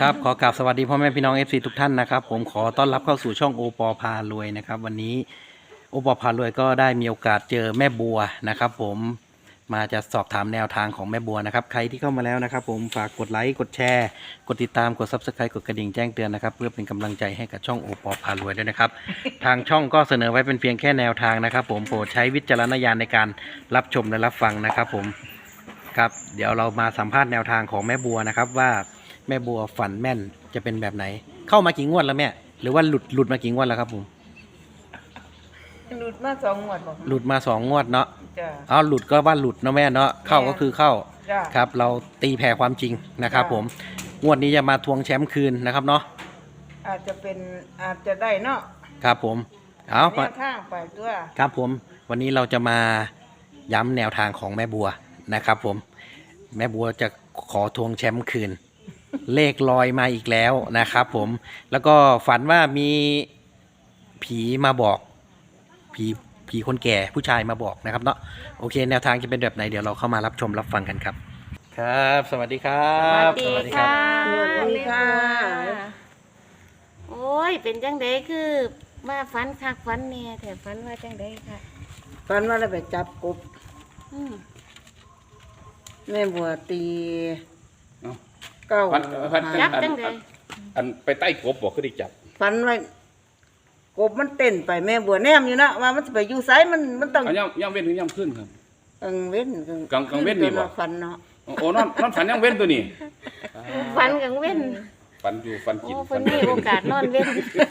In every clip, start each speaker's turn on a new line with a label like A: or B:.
A: ครับขอกราบสวัสดีพ่อแม่พี่น้อง FC ทุกท่านนะครับผมขอต้อนรับเข้าสู่ช่องโอปอพารวยนะครับวันนี้โอปอพารวยก็ได้มีโอกาสเจอแม่บัวนะครับผมมาจะสอบถามแนวทางของแม่บัวนะครับใครที่เข้ามาแล้วนะครับผมฝากกดไลค์กดแชร์กดติดตามกด Subscribe กดกระดิ่งแจ้งเตือนนะครับเพื่อเป็นกำลังใจให้กับช่องโอปอพารวยด้วยนะครับ ทางช่องก็เสนอไว้เป็นเพียงแค่แนวทางนะครับผมโปรดใช้วิจารณญาณในการรับชมและรับฟังนะครับผมครับเดี๋ยวเรามาสัมภาษณ์แนวทางของแม่บัวนะครับว่าแม่บัวฝันแม่นจะเป็นแบบไหนเข้ามากี่งวดแล้วแม่หรือว่าหลุดมากี่งวดแล้วครับผม
B: หลุดมา2 งวดบอก
A: หลุดมา2 งวดเนาะ
B: จ้ะ
A: เอาหลุดก็ว่าหลุดเนาะแม่เนาะเข้าก็คือเข้า
B: จ้ะ
A: ครับเราตีแผ่ความจริงนะครับผมงวดนี้จะมาทวงแชมป์คืนนะครับเนาะ
B: อาจจะได้เนาะ
A: ครับผมเอา
B: แนวทางไปตัว
A: ครับผมวันนี้เราจะมาย้ำแนวทางของแม่บัวนะครับผมแม่บัวจะขอทวงแชมป์คืน เลขลอยมาอีกแล้วนะครับผมแล้วก็ฝันว่ามีผีมาบอกผีคนแก่ผู้ชายมาบอกนะครับเนาะโอเคแนวทางจะเป็นแบบไหนเดี๋ยวเราเข้ามารับชมรับฟังกันครับครับ สวัสดีครับ
C: สวัสดีค่ะ
B: สวัสดีค่ะ
C: โอ้ย เป็นจังไดคือมาฝันคักฝันเนี่ยแต่ฝันว่าจังไดค่ะ
B: ฝันว่าเราไปจับกบ
C: อืม
B: แม่บัวตี
D: เอ้า
B: เก้า
D: ฝัน
C: จับจังได
D: อันไปใต้กบบอกคือได้จับ
B: ฝันว่ากบมันเต้นไปแม่บัวแนมอยู่นะว่ามันจะไปอยู่ไสมันต้อง
D: เอาย่ำเว้นถึงย่ำขึ้นครับ
B: กลางเว้น
D: กลางเว้นนี่บ่
B: ฝันเนาะ
D: โอ้นอนฝันย่ำเว้นตัวนี้
C: ฝันกลางเว้น
D: ฝันอยู่ฝัน
C: โอ้
D: กิน
C: เพิ่นมีโอกาสนอนเว้น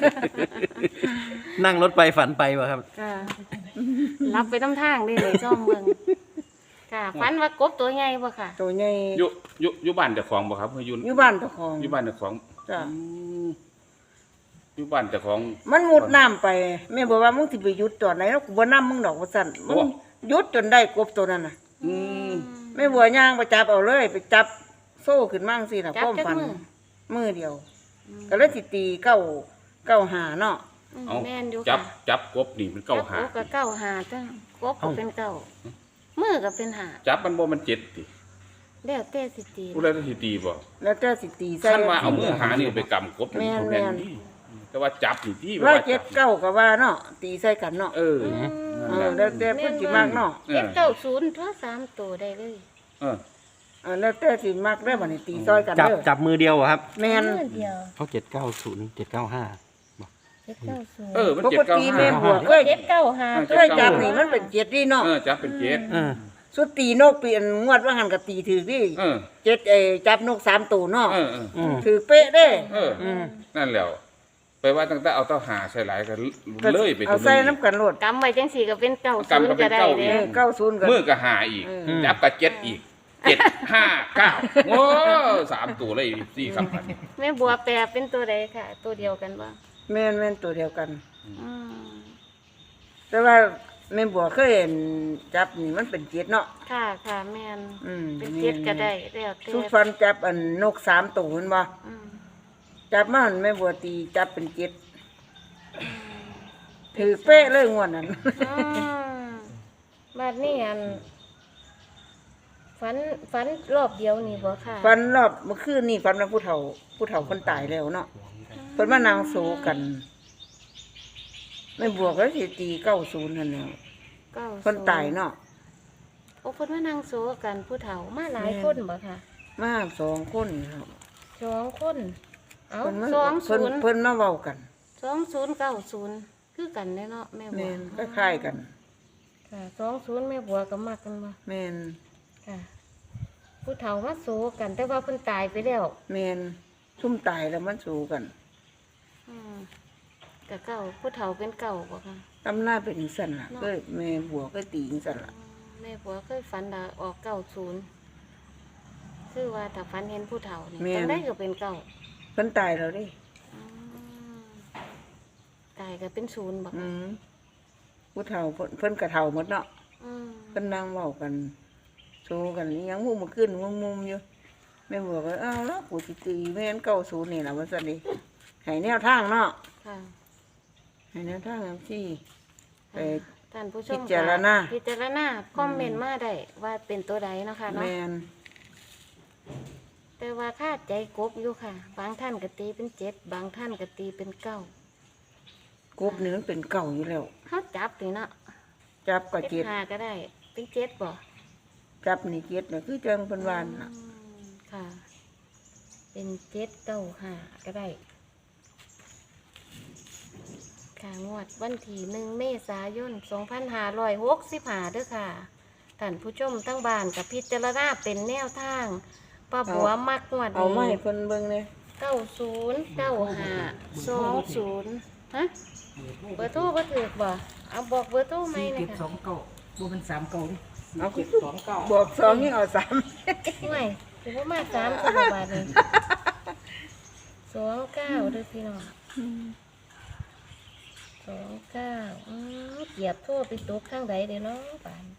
A: นั่งรถไปฝันไปวะครับ
C: ค่ะรับไปน้ำทางได้เลยซ่อมเมืองค่ะฝันว่ากบตัวใหญ่บ่ค่ะ
B: ตัวใหญ่
D: อยู่บ้านเจ้าของบ่ครับอยู่
B: อยู่บ้านเจ้าของ
D: อยู่บ้านเจ้าของ
B: จ้ะ
D: อืมอยู่บ้านเจ้าของ
B: มันมุดน้ำไปแม่บอกว่ามึงสิไปหยุดตอนไหนแล้วกูบ่นํมึงดอกว่าซั่นมึงหยุดจนได้กบตัวนั้นน่ะ
D: อืม
B: แม่บัวย่างไปจับเอาเลยไปจับโซ่ขึ้นมั่งสิล่ะ
C: จับ
B: ป้อม
C: จัก
B: ฟัน
C: มือ
B: มือเดียว ก็เลยสิตีเก้าหาเนาะ
C: อืม
D: เอา
C: แม่นอยู่
D: จั
C: ค่ะ
D: จับกบนี่มันเก้าหา
C: จับกบก็เก้าหาจ้ะกบก็เป็นเก้ามือก็เป็นหา
D: จับมันบ่มันเจ็ดติ
C: แล้วแต่สิตี
D: ผู้ใดต้องสิตีบ่
B: แล้วเจ้าสิตีใส่
D: ท่านว่าเอามือหานี่ไปกำกบ
B: แม่น
D: แม่นนี่แต่ว่าจับนี่ที่
B: ร้อยเจ็ดเก้าก็ว่าเนาะตีใส่กันเนาะ
D: เออ
B: แล้วแต่เพิ่นสิมากเนาะ
D: เอ
C: เจ็ด
D: อ
C: เก้าศูนย์ทั่ว3ตัวได้เลย
D: เออ
B: แล้วแต่สิมากได้อบัดนี้ตีซอยกัน
A: จับ
B: เด้อ
A: จับมือเดียวเหรอครับ
B: แม่น
C: มือเดียว
A: เขา790 795
C: เจ็ดเก้าศูนย์
D: เออมัน
B: ป
D: เจ็ด
B: ก
D: เก้า
B: ติ
D: ห้า
B: แม่บัวเคย
C: เจ็ดเก้าหา
B: เคยจับนี่มันเป็นเจ็ดนี่เนาะ
D: เออจับเป็นเจ็ด
A: เออ
B: สุดตีนกปีอันงวดว่าหันก็ตีถือดิ
D: เออ
B: เจ็ดจับนก3ตัวเนาะ
D: เออเออ
A: อืม
B: ถือเป๊ะเด้
D: เออ นั่นแหล้วไปว่าตั้งแต่เอาเต้าหาใส่หลายกัน
B: ก็
D: เลยไป
B: เอาใส่น้ำกันโลด
C: กำไว้จังสี่ก็เป็นเก้าศูนย์ก็ได้เด้
B: 90ก็
D: มือก็หาอีก จับกับเจ็ดอีก759โอ้3ตัวเลยสี่คำพัน
C: แม่บัวแปลเป็นตัวใดค่ะ ตัวเดียวกันบ่
B: แม่นตัวเดียวกัน
C: อืม
B: แต่ว่าแม่บัวเคยเห็นจับนี่มันเป็นเจ็ดเนาะ
C: ค่ะค่ะแม่น
B: อืม
C: เป็นเจ็ดก็ได้แล้วแต่
B: สุฟันจับอันนก3ตัวเห็นบ่
C: อืม
B: จับมาหันแม่บัวตีจับเป็นเจ็ดถือเป๊ะเลยงวดนั้น
C: อืมบัดนี้อันฝันรอบเดียวนี่บ่ค่ะ
B: ฟันรอบเมื่อคืนนี่ฟันว่าผู้เฒ่าคนตายแล้วเนาะเพิ่นมานางโซกันแม่บัวก็สิตี90นั่นแหละ
C: 90
B: คนตายเนาะ
C: โอ้เพิ่นมานั่งโซกันผู้เฒ่ามาหลายคนบ่ค่ะ
B: มา2คนครับ
C: 2คนเอ้า
B: เพิ่นมา
C: 20
B: เพิ่นมาเว้ากัน
C: 2090คือกันเด้เนาะแม่บั
B: แม่
C: วน
B: คล้ายๆกัน
C: ค่ะ20แม่บัวก็มักกันบ่
B: แม่น
C: ค่ะ ผู้เฒ่ามาโซกันแต่ว่าเพิ่นตายไปแล้ว
B: แม่นซุ่มตายแล้วมันสู้กัน
C: อืมแต่เก่าผู้เฒ่าเป็นเก่าบ่ค่ะ
B: ตำหน้าเป็นจังซั่นล่ะก็แม่บัวก็ตีจังซั่นล่ะ
C: แม่ผัวเคยฝันดาออก90คือว่าถ้าฝันเห็นผู้เฒ่านี่จังได้ก็เป็นเก่า
B: เพิ่นตายแล้วดิ
C: อืมตายก็เป็นศูนย์บ่
B: อื
C: ค่ะ
B: มผู้เฒ่าเพิ่นก็เฒ่าหมดเนาะ
C: อืม
B: เพิ่นนั่งเว้ากันโซกันอิหยังมุมขึ้นมุมอยู่แม่บัวก็อ้าวแล้วกูสิตีแม่น90นี่ล่ะว่าซั่นดิให้แนวทางเนาะ
C: ค่ะ
B: ให้แนวทางจังซี่ไป
C: ท่านผู้ชม
B: พิจารณา
C: พิจารณาคอมเมนต์มาได้ว่าเป็นตัวใดเนาะค่ะเนาะ
B: แม่น
C: แต่ว่าคาดใจกบอยู่ค่ะ บางท่านก็ตีเป็นเจ็ดบางท่านก็ตีเป็นเก้าก
B: บนี่มันเป็นเก่าอยู่แล้ว
C: เขาจับนี่เนาะ
B: จับก็
C: เจ็
B: เจ็
C: ด
B: ด
C: หาก็ได้ เป็นเจ็ดบ่
B: จับนี่เจ็ดน่ะคือจังเป็นวานน่ะ
C: ค่ะ เป็นเจ็ดเก้าหาก็ได้ค่ะงวดวันที่1 เมษายน 2565เด้อค่ะท่านผู้ชมทั้งบ้านกับพิจารณาเป็นแนวทางป้าบัวมักงวด
B: เอาไม้
C: นี้
B: เพิ่นเบิ่งเลย
C: 909520ฮะเบอร์โทรบ่ถูกบ่เอาบอกเบอร์โทรไหมนะ
E: 729
C: คะ
E: บ่มัน39นี่
B: เอาคือบอกสองนี่เอาสาม
C: ไม่ถือว่ามา3ตัวบาทเลย29เด้อพี่น้อง29เหยียบโทรไปตกข้างใดเด้อเนาะป่าน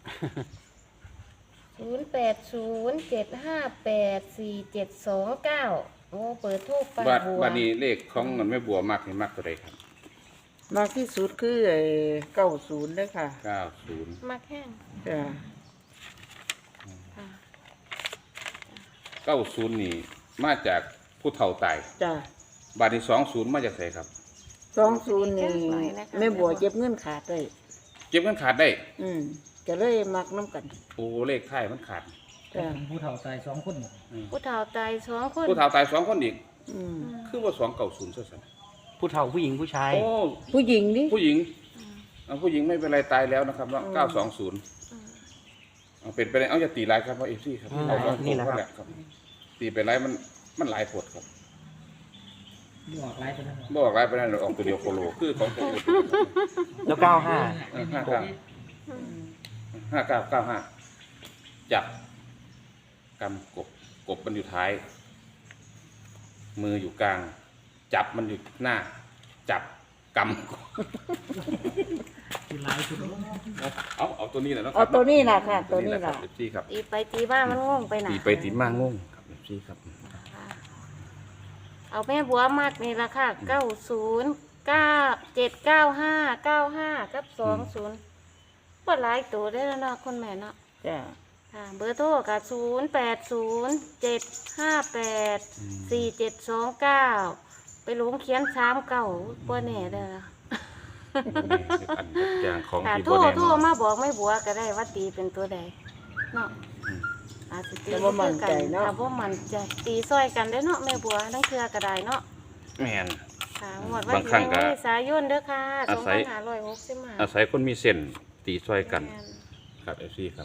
C: 0807584729โอ้เปิดโทรป้า
D: บัด
C: บัว
D: บัดนี้เลขของเงินแม่บัวมักนี่มักตัวใดครับ
B: มากที่สุดคือไอ้90เด้อค่ะ
D: 90
C: มักแห้ง
B: จ้ะ
C: ค่ะ
D: 90นี่มาจากผู้เฒ่าตาย
B: จ้ะ
D: บัดนี้20มาจากไสครับ
B: 20นี่แม่บัวเก็บเงินขาดได้
D: เก็บเงินขาดได้
B: ก็เลยมักน้ำกัน
D: โอ้เลขท้ายมันขาด
B: จ้ะ
E: ผู้เฒ่าตาย2คน
C: ผู้เฒ่าตาย2 คน
D: ผู้เฒ่าตาย2คนอีก
B: อืม
D: คือว่า290ซะซั่น
A: ผู้เฒ่าผู้หญิงผู้ชาย
D: โอ้
B: ผู้หญิงดิ
D: ผู้หญิงผู้หญิงไม่เป็นไรตายแล้วนะครับเนาะ920เอาเป็นไปได้เอาอย่าตีหลายครับเพราะ FC ครับเอาสองตัวก็แหละครับตีไปหลายมันหลายผดครับ
E: บ่ออกหลายตัวนั้น
D: บ่ออกหลายไปนั่นออกตัวเดียวโคโลคือของตัวอื่น
A: แล้ว95
D: 59จับกำกบมันอยู่ท้าย มืออยู่กลาง จับมันอยู่หน้า จับกำ
E: คือหลายตัวนั้น
D: เอาตัวนี้แหละเนาะ
B: เอาตัวนี้ล่ะค่ะ ตัวนี้
D: ครั
B: ล่ะ
D: บ FC ครับ
C: ตีไปตีมามันงงไปหนา
D: ตีไปตีมางงครับ FC ครับ
C: เอาแม่บัวมัดนี่ละค่ะ90979595กับ20บ่หลายตัวได้แล้วเนาะคุณแม่เนาะ
B: จ้ะ
C: ค่ะเบอร์โทรกับ0807584729ไปหลงเขียน39บ่แน่เด้อ
D: อันอย่างของ
C: ค่ะ
D: ที่
C: โทร
D: บ่แน่
C: โทร
D: นอน
C: มาบอกแม่บัวก็ได้ว่าตีเป็นตัวใดเนาะอาจสิตี
B: แต่ว่ามั่นใจเนาะ
C: ค่ะบ่มั่นใจตีซอยกันได้อเนาะแม่บัวทั้งเครือก็ได้เนาะ
D: แม่น
C: ค่ะงวดวัน
D: บางครั้
C: ที่
D: งก็
C: 1 เมษายนเด้อค่ะ
D: อาศัย
C: 2565
D: อาศัยคนมีเส้นตีช่วยกันครับ FC ครับ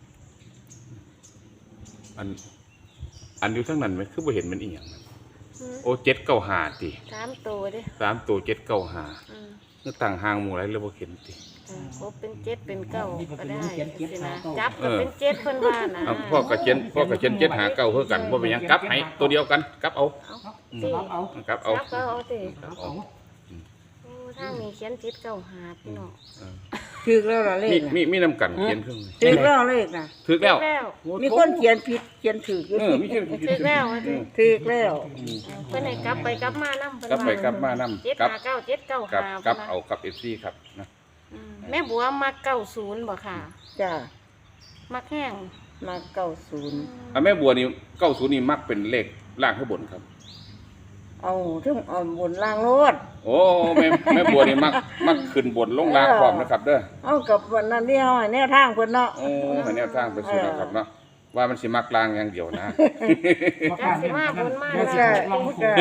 D: อันอยู่ทั้งนั้นไหมคือบ่เห็นมันอีหยังนะโอ้795ติ
C: 3ตัวเด้อ
D: 3ตัว795
C: อืม
D: นึกต่างห่างหมู่ไรเลยบ่เห็นติ
C: ครบเป็น7เป็น9ก็ได้สินะจับ
D: เอ
C: ก็
D: อ
C: เป็น7เพิ่นว่านะ
D: เอาพ่อกระเจน7หาเก้าเพื่อกันบ่เป็นหยังกลับให้ตัวเดียวกันกลับเอา
C: สิ
E: เอา
D: กลับเอา
C: จับก็เอาสิ
D: กลับ
E: เอา
D: เอา
C: โอ้ทางนี้เขียน7 9 5พี่น้อง
D: เออ
B: ถึกแล้วล่ะเลขน่ะ
D: มีน้ำกันเขียนเครื่อง
B: ถึกแล้วเลขน่ะ
D: ถึกแล้ว
C: แล้ว
B: มีคนเขียนผิดเขียนถูกอยู่
D: มีเขียน
C: ถึกแล้วว่าสิ
B: ถึกแล้ว
C: เพิ่นให้กลับไปกลับมานำเพิ่น
D: กลับไปกลับมา
C: 7
D: นำกลับ
C: 5 9 7 9
D: กลับ
C: 5
D: กลับเอากับ FC ครับนะ
C: แม่บัวมัก90บ่ค่ะ
B: จ้ะ
C: มักแห้ง
B: มา90
D: อ่ะแม่บัวนี่90นี่มักเป็นเลขล่างข้างบนครับ
B: เอาถึงเอาบนล่างโลด
D: โอ้แม่บัวนี่มักขึ้นบนลงล่างพร้อมนะครับเด้อ
B: เอากับวันนั้นที่เฮาให้แนวทางเพิ่นเนาะ
D: โอ้ให้แนวทางไปสู่นะครับเนาะว่ามันสิมักล่างอย่างเดียวนะ
C: จักสิมาบนมา
B: มัน
C: ล่า
B: ก็
C: ง
B: มันก็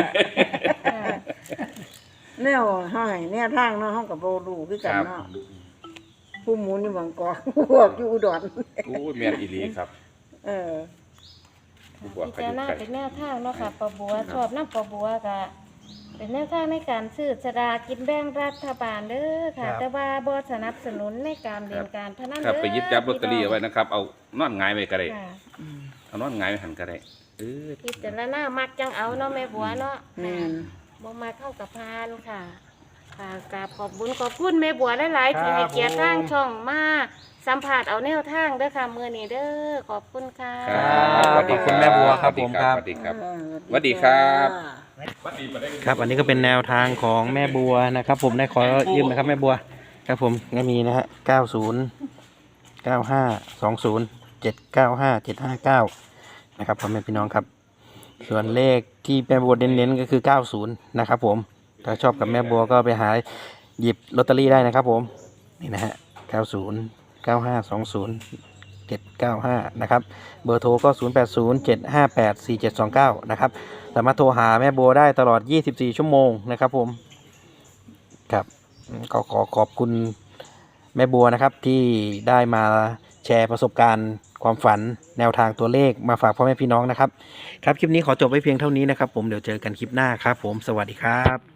B: แนวเฮาให้แนวทางเนาะเฮาก็บ่รู้คือ
D: ค
B: กัน
D: รับ
B: เนาะผู้หมุนอยู่บางกอกพวกอยู่อุดร
D: โอ้แม่นอีหลีครับ
B: เออ
D: ผู้บวช
C: พิ
D: ก็อ
C: จาร
D: ยู่
C: ณา
D: ไกล
C: เป็นแนวทางเนาะค่ะปะบัวชอบน้ำปะบัวก็เป็นแนวทางในการซื้อสลากกินแบ่งรัฐบาลเด้อค่ะ แต่ว่าบ่สนับสนุนในการเรียนการพนัน
D: ครับ
C: เด้อ
D: ไปหยิบจับลอตเตอรี่เอาไว้นะครับ เอานอนหงายไว้ก็ได้
C: ค่ะ
D: เอานอนหงายไว้หันก็ได้อ
C: พิจารณามักจังเอาเนาะแม่บัวเนาะ
B: แม่น
C: บ่มาเข้ากับพานค่ะ ค่ะกราบขอบบุญขอบคุณแม่บัวหลายๆที่ให้เกียรติทางช่องมาสัมผัสเอาแนวทางเด้อค่ะมื้อนี้เด้อขอบคุณค่ะ
D: ครับ
A: ขอบคุณแม่บัวครับผมครับ
D: สวัสดีครับสวัสดีครับสวัสดี
A: ครับอันนี้ก็เป็นแนวทางของแม่บัวนะครับ ผมได้ขอยืมนะครับแม่บัวครับผมก็มีนะฮะ90 95 20 795 759นะครับพ่อแม่พี่น้องครับส่วนเลขที่แม่บัวเน้นๆก็คือ 90 นะครับผมถ้าชอบกับแม่บัวก็ไปหาหยิบลอตเตอรี่ได้นะครับผมนี่นะฮะ 90 9520 795 นะครับเบอร์โทรก็ 0807584729 นะครับสามารถโทรหาแม่บัวได้ตลอด 24 ชั่วโมงนะครับผมครับก็ขอบคุณแม่บัวนะครับที่ได้มาแชร์ประสบการณ์ความฝันแนวทางตัวเลขมาฝากพ่อแม่พี่น้องนะครับครับคลิปนี้ขอจบไว้เพียงเท่านี้นะครับผมเดี๋ยวเจอกันคลิปหน้าครับผมสวัสดีครับ